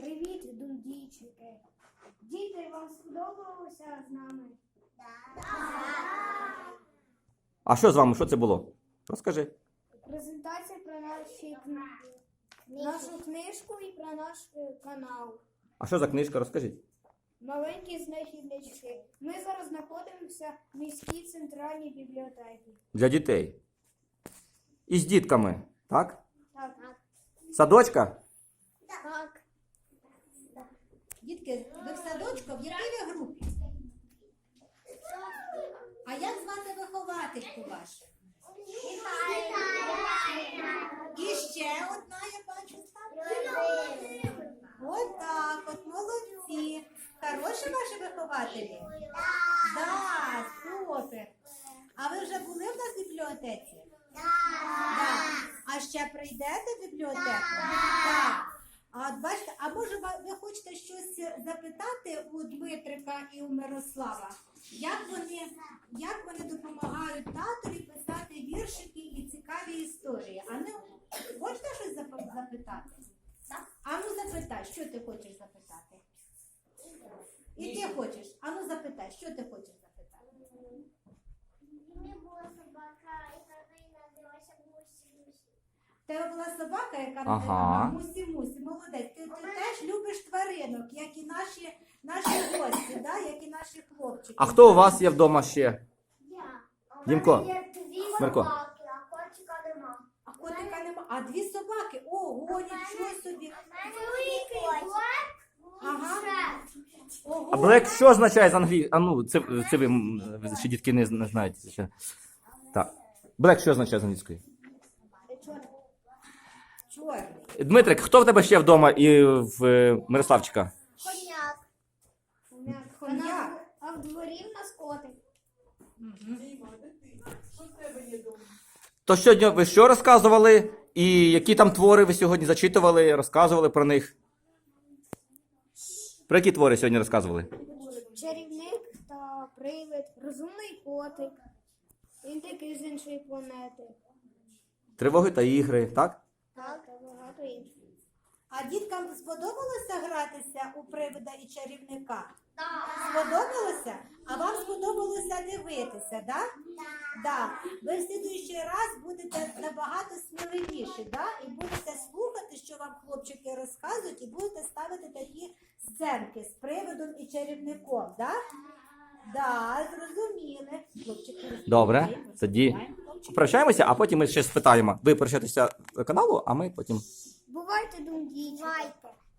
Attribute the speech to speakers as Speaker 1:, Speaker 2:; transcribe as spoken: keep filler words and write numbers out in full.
Speaker 1: Привіт, дундійчики. Діти, вам сподобалося з нами?
Speaker 2: А що з вами? Що це було? Розкажи.
Speaker 1: Презентація про наші, нашу книжку і про наш е, канал.
Speaker 2: А що за книжка? Розкажіть.
Speaker 1: Маленькі знахіднички. Ми зараз знаходимося в міській центральній бібліотеці.
Speaker 2: Для дітей. І з дітками, так?
Speaker 1: Так.
Speaker 2: Садочка?
Speaker 1: Так.
Speaker 3: Дітки, ви в садочку, в якій ви групі? А як звати виховательку вашу? І ще одна, я бачу, там. От так, от молодці. Хороші ваші вихователі? Так, супер. А ви вже були в нас в бібліотеці? Так. А ще прийдете в бібліотеку? Так. А от бачите, а може ви хочете щось запитати у Дмитрика і у Мирослава? Як вони, як вони допомагають татові писати віршики і цікаві історії? А не хочете щось зап- запитати? А ну запитай, що ти хочеш запитати? І ти хочеш? А ну запитай, що ти хочеш запитати?
Speaker 4: У мене була собака, яка називалася Мусі-Мусі.
Speaker 3: В тебе була собака, яка
Speaker 2: Ага.
Speaker 3: називала Мусі-Мусі. Молодець. Ти, ти теж любиш тваринок, як і наші, наші гості, да? Як і наші хлопчики.
Speaker 2: А хто у вас є вдома ще?
Speaker 4: Я. У
Speaker 2: Дімко,
Speaker 4: мене є дві
Speaker 2: Мирко.
Speaker 4: собаки, а котика нема.
Speaker 3: А котика нема. А дві собаки? Ого, нічого собі.
Speaker 4: Великий кот.
Speaker 3: Ага. Ого.
Speaker 2: А Блек що означає з англійської? А ну, це, це ви м, ще дітки не, не знаєте. Ще. Так. Блек що означає з англійської?
Speaker 3: Чорний.
Speaker 2: Дмитрик, хто в тебе ще вдома і в е, Мирославчика?
Speaker 4: Коняк.
Speaker 3: Хом'як.
Speaker 1: А в дворі в нас котик.
Speaker 2: То сьогодні ви що розказували? І які там твори ви сьогодні зачитували, розказували про них? Про які твори сьогодні розказували?
Speaker 1: Чарівник та привид, розумний котик. Він такий з іншої планети.
Speaker 2: Тривоги та ігри, так?
Speaker 1: Так, та багато інших.
Speaker 3: А діткам сподобалося гратися у привида і чарівника?
Speaker 4: Так.
Speaker 3: Сподобалося? А вам сподобалося дивитися, так? Да? Да. Ви в слідуючий раз будете набагато сміливіші, да? І будете слухати, що вам хлопчики розказують, і будете ставити такі сценки з привидом і чарівником, да? Да, зрозуміли. Хлопчики,
Speaker 2: Добре,
Speaker 3: розповідаємо,
Speaker 2: тоді
Speaker 3: розповідаємо.
Speaker 2: прощаємося, а потім ми ще спитаємо. Ви прощаєтеся каналу, а ми потім.
Speaker 1: Бувайте, дундійчики.
Speaker 4: Бувайте.